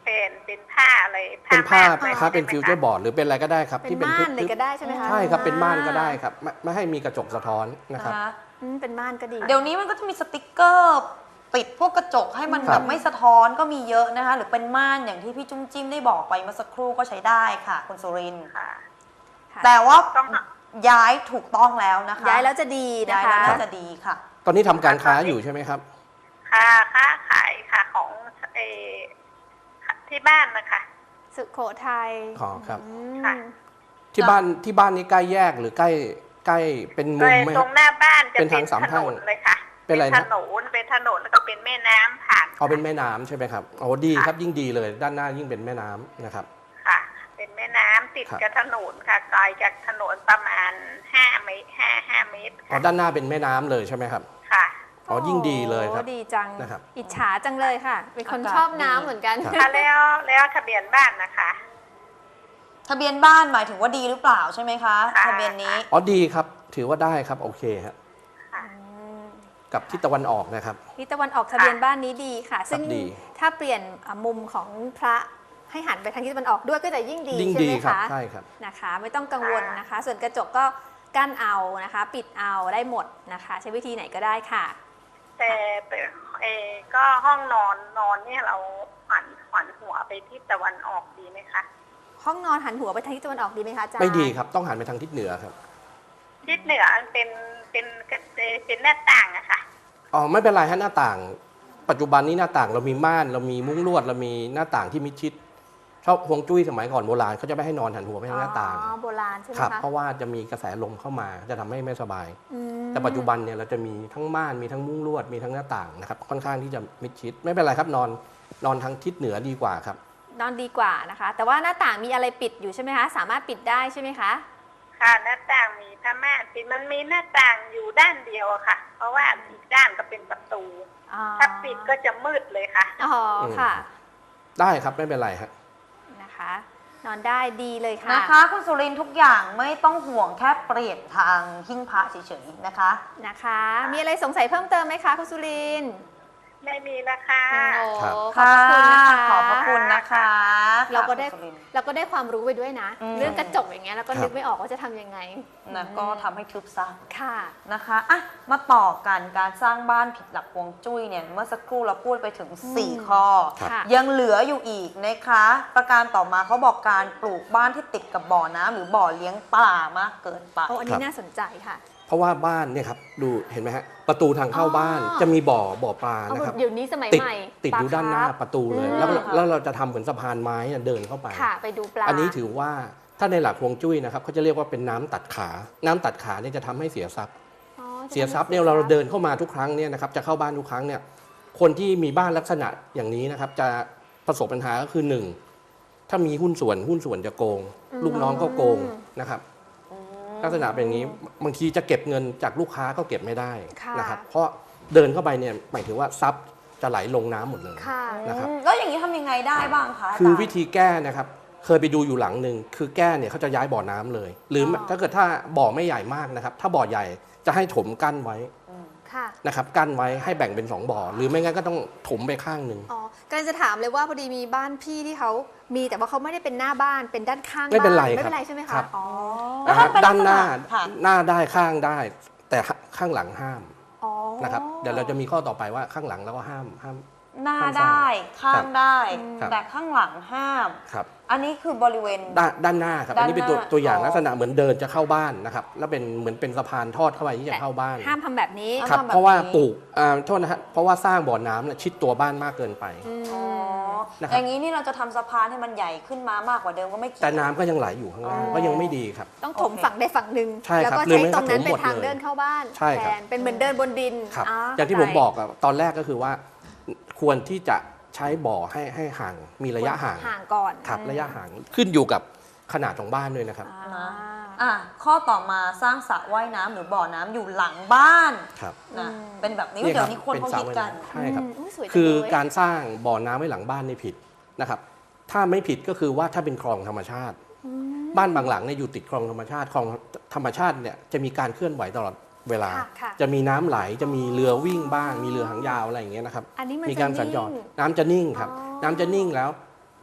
Speaker 4: ผ่นเป็นผ้าอะไร
Speaker 3: เป็นผ้า
Speaker 4: ม่นอะไร
Speaker 3: ผ้าเป็น
Speaker 4: ใช่ไหม
Speaker 3: ฟิวเจอร์บอร์ดหรือเป็นอะไรก็ได้ครับ
Speaker 1: เป็น
Speaker 3: ที่เป็น
Speaker 1: ม่านเลย
Speaker 3: ทึบ
Speaker 1: ก็ได้ใช่ไหมคะ
Speaker 3: ๆใช่ครับเป็นม่านก็ได้ครับไม่ไม่ให้มีกระจกสะท้อนนะครับ
Speaker 2: นะคะ
Speaker 1: อืมเป็นม่านก็ดี
Speaker 2: เดี๋ยวนี้มันก็จะมีสติกเกอร์ติดพวกกระจกให้มัน
Speaker 3: ครั
Speaker 2: แบบ บไม่สะท้อนก็มีเยอะนะคะ หรือเป็นม่านอย่างที่พี่จุ้มจิ้มได้บอกไปเมื่อสักครู่ก็ใช้ได้ค่ะคุณสุรินทร์
Speaker 4: ค่ะ
Speaker 1: ค่ะ
Speaker 2: แต่ว่า
Speaker 4: ต้อง
Speaker 2: ย้ายถูกต้องแล้วนะคะ
Speaker 1: ย้ายแล้วจะดีนะ
Speaker 2: ย้าย
Speaker 1: คะ
Speaker 2: แล้วน่าจะดีค่ะ
Speaker 3: ตอนนี้ทำการค้าอยู่ใช่ไหมครับ
Speaker 4: ค่ะค้าขายค่ะของเออที่บ้านนะคะ
Speaker 1: สุโขทัย
Speaker 3: อ๋อครับ
Speaker 1: อืม
Speaker 4: ค่ะ
Speaker 3: ที่บ้านที่บ้านนี้ใกล้แยกหรือใกล้ใกล้เป็นมุ
Speaker 4: เล
Speaker 3: ม
Speaker 4: ย
Speaker 3: ไหม
Speaker 4: ต
Speaker 3: ค
Speaker 4: ร
Speaker 3: รับ
Speaker 4: งหน้าบ้านจะ
Speaker 3: เป็น
Speaker 4: เป็
Speaker 3: ทาง
Speaker 4: น
Speaker 3: สาม
Speaker 4: ถ
Speaker 3: แพร่
Speaker 4: น
Speaker 3: ง
Speaker 4: นเลยค่ะ
Speaker 3: เป็นอะไรนะ
Speaker 4: ถนนเป็นถนนแล้วก็เป็นแม่น้ำผ่าน
Speaker 3: เอาเป็นแม่น้ำใช่ไหมครับโอ้ดีครับยิ่งดีเลย ด้านหน้ายิ่งเป็นแม่น้ำนะครับ
Speaker 4: ค่ะ เป็นแม่น้ำติด
Speaker 3: ครับ
Speaker 4: กับถนนค่ะไกลจากถนนประมาณห้าเมตรห้าห้าเมตร
Speaker 3: อ๋อ
Speaker 4: ค่ะ
Speaker 3: ด้านหน้าเป็นแม่น้ำเลยใช่ไหมครับ
Speaker 4: ค่ะ
Speaker 3: อ๋อยิ่งดีเลยครับ
Speaker 1: โอ้ดีจัง
Speaker 3: นะครับ
Speaker 1: อิจฉาจังเลยค่ะ เป็นคน
Speaker 2: อากาศ
Speaker 1: ชอบน้ำ
Speaker 2: ดี
Speaker 1: เหมือนกัน
Speaker 3: ครับ
Speaker 4: ค่ะแล้วแล้วทะเบียนบ้านนะคะ
Speaker 2: ทะเบียนบ้านหมายถึงว่าดีหรือเปล่าใช่ไหมคะ
Speaker 4: ค่ะ
Speaker 2: ทะเบียนนี้
Speaker 3: อ๋อดีครับ ถือว่าได้ครับโอเคครับ
Speaker 4: ค่ะ
Speaker 3: กับทิศตะวันออกนะครับ
Speaker 1: ทิศตะวันออกทะเบียนบ้านนี้ดีค่ะ ซึ่ง
Speaker 3: ดี
Speaker 1: ถ้าเปลี่ยนอ่ะมุมของพระให้หันไปทางทิศตะวันออกด้วยก็จะยิ่งดี
Speaker 3: ยิ่ง
Speaker 1: ใช่
Speaker 3: ดี
Speaker 1: ไหม
Speaker 3: ครับ
Speaker 1: คะ
Speaker 3: ใช่ครับ
Speaker 1: นะคะ ไม่ต้องกังวลนะคะ ส่วนกระจกก็กั้นเอานะคะ ปิดเอาได้หมดนะคะ ใช้วิธีไหนก็ได้ค่ะ
Speaker 4: แต่แต่เออก็ห้องนอนนอนเนี่ยเราหันหันหัวไปทิศตะวันออกดีไหมคะ
Speaker 1: ห้องนอนหันหัวไปทางทิศตะวันออกดีไหมคะอาจารย์
Speaker 3: ไม่ดีครับต้องหันไปทางทิศเหนือครับ
Speaker 4: ทิศเหนือมันเป็นเป็นเป็นหน้าต่างอะค่ะ
Speaker 3: อ๋อไม่เป็นไรฮะหน้าต่าง ปัจจุบันนี้หน้าต่างเรามีม่านเรามีมุ้งลวดเรามีหน้าต่างที่มิดชิดชอบฮวงจุ้ยสมัยก่อนโบราณเขาจะไม่ให้นอนหันหัวไปทางหน้าต่าง
Speaker 1: อ๋อโบราณใช่ไหม
Speaker 3: ครับ
Speaker 1: คะ
Speaker 3: เพราะว่าจะมีกระแสลมเข้ามาจะทำให้ไม่สบาย
Speaker 1: อืม
Speaker 3: แต่ปัจจุบันเนี่ยเราจะมีทั้งม่านมีทั้งมุ้งลวดมีทั้งหน้าต่างนะครับค่อนข้างที่จะมิดชิด ไม่เป็นไรครับนอนนอนทางทิศเหนือดีกว่าครับ
Speaker 1: นอนดีกว่านะคะ แต่ว่าหน้าต่างมีอะไรปิดอยู่ใช่ไหมคะ สามารถปิดได้ใช่ไหมคะ
Speaker 4: ค่ะหน้าต่างมีผ้าม่านปิดมันมีหน้าต่างอยู่ด้านเดียวอะค่ะ เพราะว่าอีกด้านก็เป็นประตู
Speaker 1: อ๋อ
Speaker 4: ถ้าปิดก็จะมืดเลยค่ะ
Speaker 1: อ๋อค่ะ
Speaker 3: ได้ครับไม่เป็นไรครับ
Speaker 1: นะคะ นอนได้ดีเลยค่ะ
Speaker 2: นะคะคุณสุรินทร์ทุกอย่างไม่ต้องห่วงแค่เปลี่ยนทางหิ้งพระเฉยๆนะคะ
Speaker 1: นะคะ มีอะไรสงสัยเพิ่มเติมไหมคะคุณสุรินทร์
Speaker 4: ไม่มีแล้วค่ะ
Speaker 1: โอ้
Speaker 3: ครับ
Speaker 1: ขอบพระคุณนะคะ
Speaker 2: ขอบพระคุณนะคะ
Speaker 1: เราก็ได้
Speaker 2: คุณสุรินทร์
Speaker 1: เราก็ได้ความรู้ไปด้วยนะ
Speaker 2: อืม
Speaker 1: เรื่องกระจกอย่างเงี้ย แล้วก็
Speaker 3: ครับ
Speaker 1: นึกไม่ออกว่าจะทำยังไง
Speaker 2: นะก็ทำให้ทึบซะ
Speaker 1: ค่ะ
Speaker 2: นะคะอ่ะมาต่อกันการสร้างบ้านผิดหลักฮวงจุ้ยเนี่ยเมื่อสักครู่เราพูดไปถึง
Speaker 1: อืม
Speaker 2: สี่ข้อ
Speaker 1: ค่ะ
Speaker 2: ยังเหลืออยู่อีกนะคะ ประการต่อมาเขาบอกการปลูกบ้านที่ติดกับบ่อน้ำหรือบ่อเลี้ยงปลามากเกินไป
Speaker 1: โอ้อันนี้น่าสนใจค่ะ
Speaker 3: เพราะว่าบ้านเนี่ยครับดูเห็นไหมฮะประตูทางเข้า
Speaker 1: อ๋อ
Speaker 3: บ้านจะมีบ่อบ่อปลา
Speaker 1: เอา
Speaker 3: นะครับ
Speaker 1: เดี๋ยวนี้สมัย
Speaker 3: ติด
Speaker 1: ใหม่
Speaker 3: ติดอยู่
Speaker 1: ปล
Speaker 3: ด้านหน้า
Speaker 1: คร์ฟ
Speaker 3: ประตูเลย
Speaker 1: อืม
Speaker 3: แล้วเราแล้วเราจะทำเหมือนสะพานไม้น่ะเดินเข้าไป
Speaker 1: ค่ะ ไปดูปลา
Speaker 3: อันนี้ถือว่าถ้าในหลักฮวงจุ้ยนะครับเขาจะเรียกว่าเป็นน้ำตัดขา น้ำตัดขาเนี่ยจะทำให้เสียทรัพย์
Speaker 1: อ๋อจะ
Speaker 3: เสียทรัพย์เนี่ย
Speaker 1: ทำให้
Speaker 3: เรา
Speaker 1: สียทพย์
Speaker 3: เดินเข้ามาทุกครั้งเนี่ยนะครับจะเข้าบ้านทุกครั้งเนี่ยคนที่มีบ้านลักษณะอย่างนี้นะครับจะประสบปัญหาก็คือหนึ่งถ้ามีหุ้นส่วนหุ้นส่วนจะโกง ลูกน้องก็โกงนะครับลักษณะเป็นอย่างนี้บางทีจะเก็บเงินจากลูกค้าก็เก็บไม่ได้
Speaker 1: ค่ะ
Speaker 3: นะครับเพราะเดินเข้าไปเนี่ยหมายถึงว่าทรัพย์จะไหลลงน้ำหมดเลย
Speaker 1: ค่ะ
Speaker 3: นะครับ
Speaker 2: อืมแล้วอย่างนี้ทำยังไงได้บ้างคะาจารย์
Speaker 3: คือวิธีแก้นะครับเคยไปดูอยู่หลังหนึ่งคือแก้เนี่ยเขาจะย้ายบ่อน้ำเลย หรืออ
Speaker 1: อ
Speaker 3: ถ้าเกิดถ้าบ่อไม่ใหญ่มากนะครับ ถ้าบ่อใหญ่จะให้ถมกั้นไว้
Speaker 1: ค่ะ
Speaker 3: นะครับกั้นไว้ให้แบ่งเป็นสองบ่อ หรือไม่งั้นก็ต้องถมไปข้างหนึ่ง
Speaker 1: อ๋อกำลังจะถามเลยว่าพอดีมีบ้านพี่ที่เขามีแต่ว่าเขาไม่ได้เป็นหน้าบ้านเป็นด้านข้าง
Speaker 3: ไม่เป็นไร
Speaker 1: บ้าไม่
Speaker 3: ครับ
Speaker 1: เป็นไรใช่ไหม
Speaker 3: ครั
Speaker 1: คะ
Speaker 3: บ
Speaker 1: อ๋อ
Speaker 2: แล้ว
Speaker 3: นะ
Speaker 2: ถ้า
Speaker 3: ฮะ
Speaker 2: เป็น
Speaker 3: ด้านหน้า
Speaker 2: ลักษณะค่ะ
Speaker 3: หน้าได้ข้างได้ แต่ข้างหลังห้าม
Speaker 1: อ๋อ
Speaker 3: นะครับเดี๋ยวเราจะมีข้อต่อไปว่าข้างหลังแล้วก็ห้ามห้าม
Speaker 2: หน้า
Speaker 3: ข้างซ้าย
Speaker 2: ได้ข้า
Speaker 3: ครั
Speaker 2: ง
Speaker 3: บ
Speaker 2: ได้
Speaker 3: ครับ
Speaker 2: แต่ข้างหลังห้าม
Speaker 3: ครับ
Speaker 2: อันนี้คือบริเวณ
Speaker 3: ด้านด้านหน้าครับอันนี้เป็นตัว
Speaker 2: ด้านหน้า
Speaker 3: ตัวอย่าง
Speaker 2: อ๋อ
Speaker 3: ลักษณะเหมือนเดินจะเข้าบ้านนะครับแล้วเป็นเหมือนเป็นสะพานทอดเข้าไปที่จะเข้าบ้าน
Speaker 1: ห้ามทำแบบนี้
Speaker 2: ห้าม
Speaker 3: ครับ
Speaker 2: ทำแบบ
Speaker 3: เพราะว่า
Speaker 2: นี้
Speaker 3: ปลูกอ่าโทษนะฮะเพราะว่าสร้างบ่อน้ำเนี่ยชิดตัวบ้านมากเกินไป
Speaker 1: อืม
Speaker 2: อ๋อ
Speaker 3: นะครับ
Speaker 2: อย่างนี้นี่เราจะทำสะพานให้มันใหญ่ขึ้นมามากกว่าเดิมก็ไม่เกี่ยว
Speaker 3: แต่น้ำก็ยังไหลอยู่ข้างล่าง
Speaker 2: อ๋อ
Speaker 3: ก็ยังไม่ดีครับ
Speaker 1: ต้องถม
Speaker 2: โอเค
Speaker 1: ฝั่งใดฝั่งหนึ่ง
Speaker 3: ใช่
Speaker 1: แล้ว
Speaker 3: ครับ
Speaker 1: ก็
Speaker 3: หรือ
Speaker 1: ใช้
Speaker 3: ไม่
Speaker 1: ตรงนั้น
Speaker 3: ก็ถม
Speaker 1: เป็นทาง
Speaker 3: หมดเลย
Speaker 1: เดินเข้าบ้าน
Speaker 3: ใช่
Speaker 1: แท
Speaker 3: ครับ
Speaker 1: นเป็นเหมือนเดินบนดิน
Speaker 3: ครับ
Speaker 1: อ๋อ
Speaker 3: อย่างที่ผมบอกอะตอนแรกก็คือว่าควรที่จะใช้บ่อให้ให้ห่างมีระยะห่าง
Speaker 1: ห่างก่อน
Speaker 3: ครับ
Speaker 1: อืม
Speaker 3: ระยะห่างขึ้นอยู่กับขนาดของบ้านด้วยนะครับ
Speaker 1: อ่า
Speaker 2: อ่ะข้อต่อมาสร้างสระว่ายน้ำหรือบ่อน้ำอยู่หลังบ้าน
Speaker 3: ครับ
Speaker 2: นะ
Speaker 1: อืม
Speaker 2: เป็นแบบนี้
Speaker 3: เนี่ย
Speaker 2: เดี๋
Speaker 3: ค
Speaker 2: ย
Speaker 3: รั
Speaker 2: วนี้คนเขาคิดกัน
Speaker 3: ใช่ครับ
Speaker 1: อืมยสวยจัง
Speaker 3: คือ
Speaker 1: เลย
Speaker 3: การสร้างบ่อน้ำไว้หลังบ้านนี่ผิดนะครับ ถ้าไม่ผิดก็คือว่าถ้าเป็นคลองธรรมชาติ
Speaker 1: อืม
Speaker 3: บ้านบางหลังเนี่ยอยู่ติดคลองธรรมชาติคลองธรรมชาติเนี่ยจะมีการเคลื่อนไหวตลอดเวลา
Speaker 1: ค่ะค่ะ
Speaker 3: จะมีน้ำไหลจะมีเรือวิ่งบ้าง มีเรือหางยาวอะไรอย่างเงี้ยนะครับ
Speaker 1: อันนี้มัน
Speaker 3: มีการ
Speaker 1: จะ
Speaker 3: สัญจร
Speaker 1: นิ่ง
Speaker 3: น้ำจะนิ่งครับ
Speaker 1: อ๋อ
Speaker 3: น้ำจะนิ่งแล้ว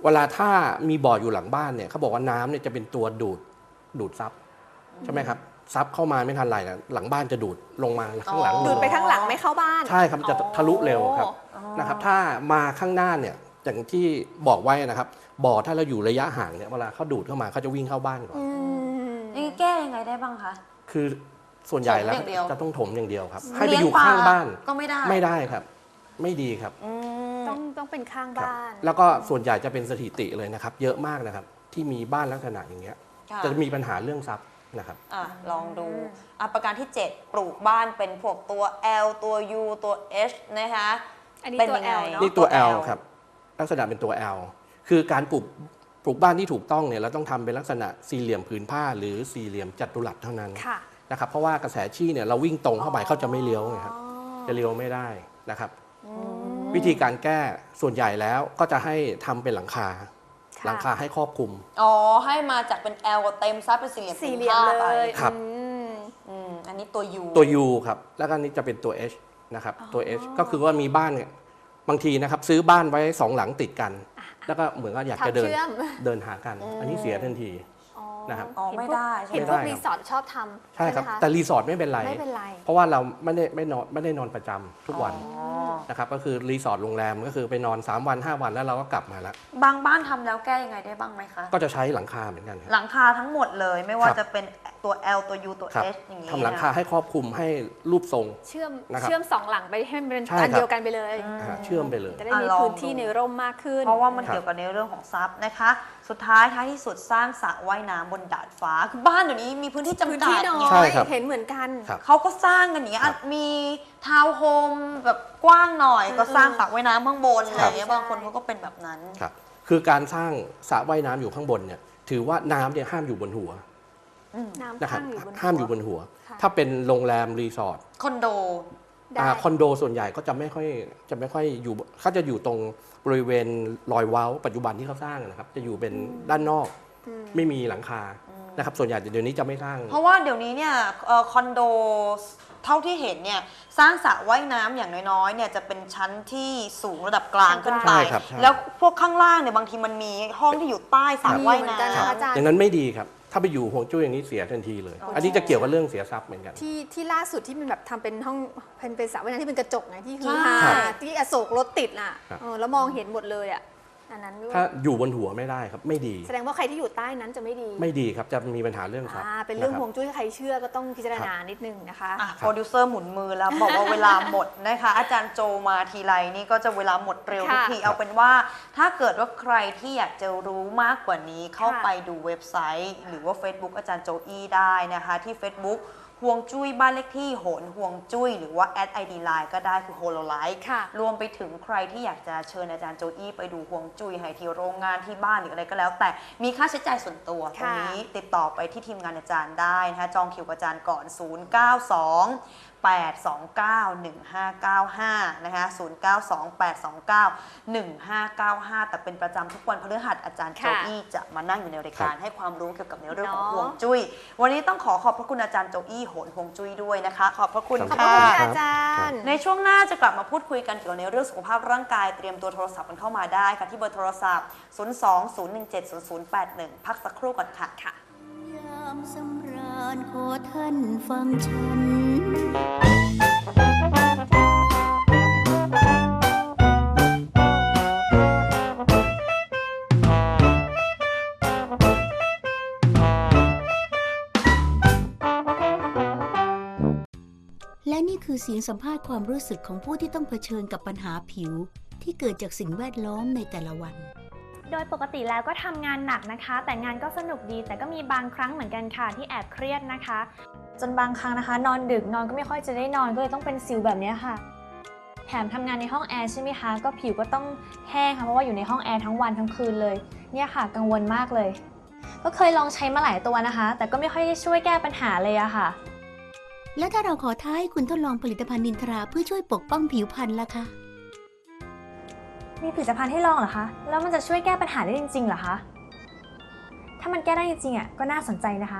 Speaker 3: เวลาถ้ามีบ่ออยู่หลังบ้านเนี่ยเขาบอกว่าน้ำเนี่ยจะเป็นตัวดูดดูดซับใช่ไหมครับซับเข้ามาไม่ทันไรนะหลังบ้านจะดูดลงมาข้างหลัง
Speaker 1: ดูดไปข้างหลังไม่เข้าบ้าน
Speaker 3: ใช่ครับจะทะลุเร็วครับ
Speaker 2: อ๋อ
Speaker 3: นะครับถ้ามาข้างหน้าเนี่ยอย่างที่บอกไว้นะครับบ่อถ้าเราอยู่ระยะห่างเนี่ยเวลาเขาดูดเข้ามาเขาจะวิ่งเข้าบ้านก่อน
Speaker 1: อืม
Speaker 2: นี่แก้ยังไงได้บ้างคะ
Speaker 3: คือส่วนใหญ่แล้ว
Speaker 2: ถมอย่างเดียว
Speaker 3: จะต้องถมอย่างเดียวครับ ให้ไป
Speaker 2: เลี้
Speaker 3: อยู่ข้างบ้าน
Speaker 2: ก็ไม่ได้
Speaker 3: ไม่ได้ครับ ไม่ดีครับ
Speaker 2: อืม
Speaker 1: ต้องต้องเป็นข้าง
Speaker 3: ครับ
Speaker 1: บ้าน
Speaker 3: แล้วก็ส่วนใหญ่จะเป็นสถิติเลยนะครับ เยอะมากนะครับ ที่มีบ้านลักษณะอย่างเงี้ย
Speaker 2: ค่ะ
Speaker 3: จะมีปัญหาเรื่องทรัพย์นะครับ
Speaker 2: อ่ะลองดูอ่ะประการที่ เจ็ด ปลูกบ้านเป็นพวกตัว L ตัว U ตัว H นะคะ
Speaker 1: อันนี้
Speaker 2: เป็น
Speaker 1: ตัว
Speaker 2: ยังไง
Speaker 1: L เนอะ
Speaker 3: นี่ตัว
Speaker 2: ตัว
Speaker 3: L
Speaker 2: L
Speaker 3: ครับลักษณะเป็นตัว L คือการปลูกปลูกบ้านที่ถูกต้องเนี่ยเราต้องทำเป็นลักษณะสี่เหลี่ยมผืนผ้า หรือสี่เหลี่ยมจัตุรัสเท่านั้น
Speaker 1: ค่ะ
Speaker 3: นะครับเพราะว่ากระแสชี้เนี่ยเราวิ่งตรงเข้าไปเขาจะไม่เลี้ยวไงครับจะเลี้ยวไม่ได้นะครับ วิธีการแก้ส่วนใหญ่แล้วก็จะให้ทำเป็นหลังคา
Speaker 1: ค่ะ
Speaker 3: หลังคาให้ครอบคลุม
Speaker 2: อ๋อ ให้มาจากเป็น L เต็มซับเป็นสี่เหลี่ยม
Speaker 1: สี่เหลี่ยม
Speaker 2: ผืน
Speaker 1: เล
Speaker 2: ผ้าย ไป
Speaker 3: ครับ
Speaker 1: อืม
Speaker 2: อืมอันนี้ตัว U
Speaker 3: ตัว U ครับแล้วก็อันนี้จะเป็นตัว H นะครับตัว H ก็คือว่ามีบ้านเนี่ยบางทีนะครับซื้อบ้านไว้สองหลังติดกัน แล้วก็เหมือนกับอยากจะเดิน
Speaker 1: ทำเชื่อม
Speaker 3: เดินหากัน อันนี้เสียทันที
Speaker 1: อ๋อ
Speaker 3: นะครับ
Speaker 2: อ๋อไม่ได้ใช่ไหม
Speaker 1: เห็นพวก
Speaker 3: ไม่ได้ครับ
Speaker 1: รีสอร์ทชอบทำ
Speaker 3: ใช่ครับ
Speaker 1: ไหมะ
Speaker 3: แต่รีสอร์ทไม่เป็นไร
Speaker 1: ไม่เป็นไร
Speaker 3: เพราะว่าเราไม่ได้ไม่นอนไม่ได้นอนประจำทุกวัน
Speaker 2: อ๋อ
Speaker 3: นะครับก็คือรีสอร์ทโรงแรมก็คือไปนอนสามวันห้าวันแล้วเราก็กลับมาแล้ว
Speaker 2: บางบ้านทำแล้วแก้ยังไงได้บ้างไหมคะ
Speaker 3: ก็จะใช้หลังคาเหมือนกันครับ
Speaker 2: หลังคาทั้งหมดเลยไม่ว่า
Speaker 3: ครับ
Speaker 2: จะเป็นตัว L ตัว U ตัว
Speaker 3: ครับ
Speaker 2: H อย่างนี้
Speaker 3: ทำหลังคาให้ครอบคลุมให้รูปทรง
Speaker 1: เชื่อม
Speaker 3: นะครับ
Speaker 1: เชื่อมสองหลังไปให้มันเป็น
Speaker 3: ใช่
Speaker 1: อัน
Speaker 3: ครับ
Speaker 1: เดียวกันไปเลย
Speaker 3: อ่าเชื่อมไปเลย
Speaker 1: จะได้
Speaker 2: อ่ะ
Speaker 1: มี
Speaker 2: ลอง
Speaker 1: พื้นที่
Speaker 2: ดู
Speaker 1: ในร่มมากขึ้น
Speaker 2: เพราะว่ามัน
Speaker 3: ครับ
Speaker 2: เกี่ยวกับในเรื่องของทรัพย์นะคะ สุดท้ายท้ายที่สุดสร้างสระว่ายน้ำบนดาดฟ้าคือบ้านเดี๋ยวนี้มีพื้นที่จำ
Speaker 1: พื้น
Speaker 2: กั
Speaker 1: ที่
Speaker 2: ด
Speaker 1: น้อ
Speaker 3: ใช่
Speaker 1: ย
Speaker 3: ครับ
Speaker 1: เห็นเหมือนกัน
Speaker 3: ครับ
Speaker 2: เขาก็สร้างกันอย่างเงี้ย
Speaker 3: ครับ
Speaker 2: อ่ะมีทาวน์โฮมแบบกว้างหน่อย ก็สร้างสระว่ายน้ำข้างบน
Speaker 1: ใช่
Speaker 2: อะไรอย่างเงี้ย
Speaker 1: ใช่
Speaker 2: บางคนเขาก็เป็นแบบนั้น
Speaker 3: ครับคือการสร้างสระว่ายน้ำอยู่ข้างบนเนี่ยถือว่าน้ำเนี่ยห้ามอยู่บนหัว
Speaker 1: น้ำ
Speaker 3: นะครับ
Speaker 1: ข้างอยู่บน
Speaker 3: ห้ามอยู่บนหัว
Speaker 1: ค่ะ
Speaker 3: ถ้าเป็นโรงแรมรีสอร์ท
Speaker 2: คอนโด
Speaker 1: ได้
Speaker 3: อ่าคอนโดส่วนใหญ่ก็จะไม่ค่อยจะไม่ค่อยอยู่เขาจะอยู่ตรงบริเวณรอยเว้าปัจจุบันที่เขาสร้างนะครับจะอยู่เป็นด้านนอก
Speaker 1: อืม
Speaker 3: ไม่มีหลังคานะครับส่วนใหญ่เดี๋ยวนี้จะไม่สร้าง
Speaker 2: เพราะว่าเดี๋ยวนี้เนี่ยเอ่อคอนโดเท่าที่เห็นเนี่ยสร้างสระว่ายน้ำอย่างน้อยๆเนี่ยจะเป็นชั้นที่สูงระดับกลางขึ้นไป
Speaker 3: ใช่ครับใช่
Speaker 2: แล้วพวกข้างล่างเนี่ยบางทีมันมีห้องที่อยู่ใต้สระ
Speaker 1: มี
Speaker 2: ว่าย
Speaker 1: เหมือน
Speaker 2: น้
Speaker 1: กันนะคะอาจารย์
Speaker 3: อย่างนั้นไม่ดีครับ ถ้าไปอยู่ห่วงจุ้ยอย่างนี้เสียทันทีเลย อันนี้จะเกี่ยวกับเรื่องเสียทรัพย์เหมือนกัน
Speaker 1: ที่ที่ล่าสุดที่มันแบบทำเป็นห้องเป็นเป็นสระว่ายน้ำที่เป็นกระจกไงที่คือ
Speaker 2: ใช่
Speaker 1: ฮาที่อโศกรถติดน่ะ
Speaker 3: ครับ
Speaker 1: เออแล้วมองเห็นหมดเลยอ่ะอันนั้นด้วย
Speaker 3: ถ้าอยู่บนหัวไม่ได้ครับไม่ดี
Speaker 1: แสดงว่าใครที่อยู่ใต้นั้นจะไม่ดี
Speaker 3: ไม่ดีครับจะมีปัญหาเรื่องทรัพย์
Speaker 1: อ่าเป็นเรื่อง
Speaker 3: ะคบ
Speaker 1: ห่วงจุ้ยใครเชื่อก็ต้องพิจารณานิดนึงนะคะ
Speaker 2: อ่ะโปรดิวเซอร์หมุนมือแล้วบอกว่าเวลาหมดนะคะ อาจารย์โจมาทีไรนี่ก็จะเวลาหมดเร็วทุก
Speaker 1: ค่ะ
Speaker 2: ทีเอาเป็นว่า ถ้าเกิดว่าใครที่อยากจะรู้มากกว่านี้เข้า
Speaker 1: ค่ะ
Speaker 2: ไปดูเว็บไซต์ หรือว่า Facebook อาจารย์โจอี้ได้นะคะ ที่ Facebook ห่วงจุ้ยบ้านเลขที่โหนห่วงจุ้ยหรือว่าแอด ไอ ดี ไลน์ ก็ได้คือ Hololive
Speaker 1: ค่ะ
Speaker 2: รวมไปถึงใครที่อยากจะเชิญอาจารย์โจอี้ไปดูห่วงจุ้ยให้ที่โรงงานที่บ้านหรืออะไรก็แล้ว แต่มีค่าใช้จ่ายส่วนตัวตรงนี้ติดต่อไปที่ทีมงานอาจารย์ได้นะคะจองคิวกับอาจารย์ก่อน ศูนย์ เก้า สอง แปด สอง เก้า หนึ่ง ห้า เก้า ห้า นะคะ ศูนย์ เก้า สอง แปด สอง เก้า หนึ่ง ห้า เก้า ห้า แต่เป็นประจำทุกวันพฤหัสอาจารย์โจ
Speaker 1: ค่ะ
Speaker 2: อี้จะมานั่งอยู่ในรายการ
Speaker 3: ครับ
Speaker 2: ให้ความรู้เกี่ยวกับในเรื่องของ
Speaker 1: เนาะ
Speaker 2: ห่วงจุ้ย วันนี้ต้องขอขอบพระคุณอาจารย์โจอี้โหนห่วงจุ้ยด้วยนะคะ ขอบพระคุณ
Speaker 3: ขอบ
Speaker 1: ขอบ
Speaker 3: คุ
Speaker 1: พ
Speaker 3: ณ
Speaker 1: ระ
Speaker 2: ค่ะ
Speaker 1: คุณอาจารย์
Speaker 2: ในช่วงหน้าจะกลับมาพูดคุยกันเกี่ยวกับในเรื่องสุขภาพร่างกายเตรียมตัวโทรศัพท์กันเข้ามาได้ค่ะที่เบอร์โทรศัพท์ ศูนย์ สอง ศูนย์ หนึ่ง เจ็ด ศูนย์ ศูนย์ แปด หนึ่ง พักสักครู่ก่อนค่ะ
Speaker 1: ค่ะ
Speaker 5: ยามสำราญขอท่านฟังฉัน และนี่คือเสียงสัมภาษณ์ความรู้สึกของผู้ที่ต้องเผชิญกับปัญหาผิว ที่เกิดจากสิ่งแวดล้อมในแต่ละวัน
Speaker 6: โดยปกติแล้วก็ทำงานหนักนะคะ แต่งานก็สนุกดี แต่ก็มีบางครั้งเหมือนกันค่ะที่แอบเครียดนะคะ จนบางครั้งนะคะ นอนดึกนอนก็ไม่ค่อยจะได้นอนก็เลยต้องเป็นสิวแบบนี้ค่ะ แถมทำงานในห้องแอร์ใช่ไหมคะก็ผิวก็ต้องแห้งค่ะเพราะว่าอยู่ในห้องแอร์ทั้งวันทั้งคืนเลยเนี่ยค่ะกังวลมากเลย ก็เคยลองใช้มาหลายตัวนะคะ แต่ก็ไม่ค่อยได้ช่วยแก้ปัญหาเลยอะค่ะ
Speaker 5: และถ้าเราขอท้าให้คุณทดลองผลิตภัณฑ์นินทราเพื่อช่วยปกป้องผิวพรรณล่ะคะ
Speaker 6: มีผลิตภัณฑ์ให้ลองเหรอคะแล้วมันจะช่วยแก้ปัญหาได้จริงๆเหรอคะถ้ามันแก้ได้จริงๆอ่ะก็น่าสนใจนะคะ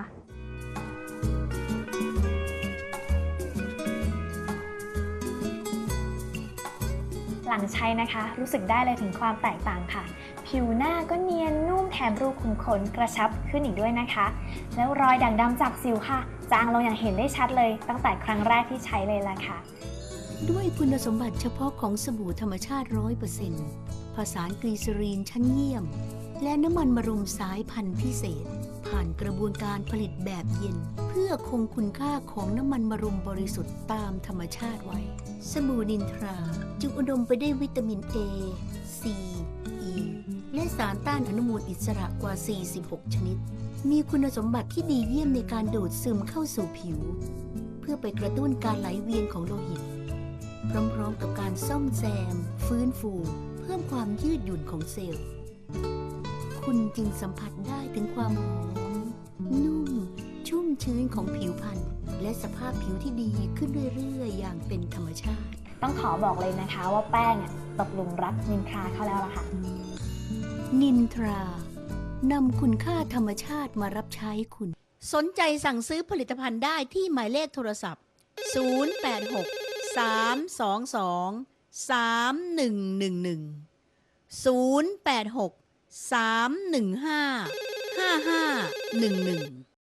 Speaker 6: หลังใช้นะคะรู้สึกได้เลยถึงความแตกต่างค่ะผิวผิวหน้าก็เนียนนุ่มแถมรูขุมขนกระชับขึ้นอีกด้วยนะคะ แล้วรอยด่างดำจากสิวค่ะจางลงอย่างเห็นได้ชัดเลยตั้งแต่ครั้งแรกที่ใช้เลยล่ะค่ะ
Speaker 5: ด้วยคุณสมบัติเฉพาะของสบู่ธรรมชาติ ร้อยเปอร์เซ็นต์ ผสานกลีเซอรีนชั้นเยี่ยม และน้ำมันมะรุมสายพันธุ์พิเศษ ผ่านกระบวนการผลิตแบบเย็น เพื่อคงคุณค่าของน้ำมันมะรุมบริสุทธิ์ตามธรรมชาติไว้ สบู่นินทราจึงอุดมไปด้วยวิตามิน A C E และสารต้านอนุมูลอิสระกว่า สี่สิบหก ชนิด มีคุณสมบัติที่ดีเยี่ยมในการดูดซึมเข้าสู่ผิว เพื่อไปกระตุ้นการไหลเวียนของโลหิต พร้อมๆกับการซ่อมแซม ฟื้นฟู เพิ่มความยืดหยุ่นของเซลล์ คุณจึงสัมผัสได้ถึงความหอม นุ่ม ชุ่มชื้นของผิวพรรณและสภาพผิวที่ดีขึ้นเรื่อยๆ อย่างเป็นธรรมชาติ
Speaker 6: ต้องขอบอกเลยนะคะว่าแป้งอะตกหลุมรักนินทราเขาแล้วล่ะค่ะ
Speaker 5: นินทรานำคุณค่าธรรมชาติมารับใช้คุณ สนใจสั่งซื้อผลิตภัณฑ์ได้ที่หมายเลขโทรศัพท์ ศูนย์ แปด หก สาม สอง สอง สาม หนึ่ง หนึ่ง หนึ่ง ศูนย์ แปด หก สาม หนึ่ง ห้า ห้า ห้า หนึ่ง หนึ่ง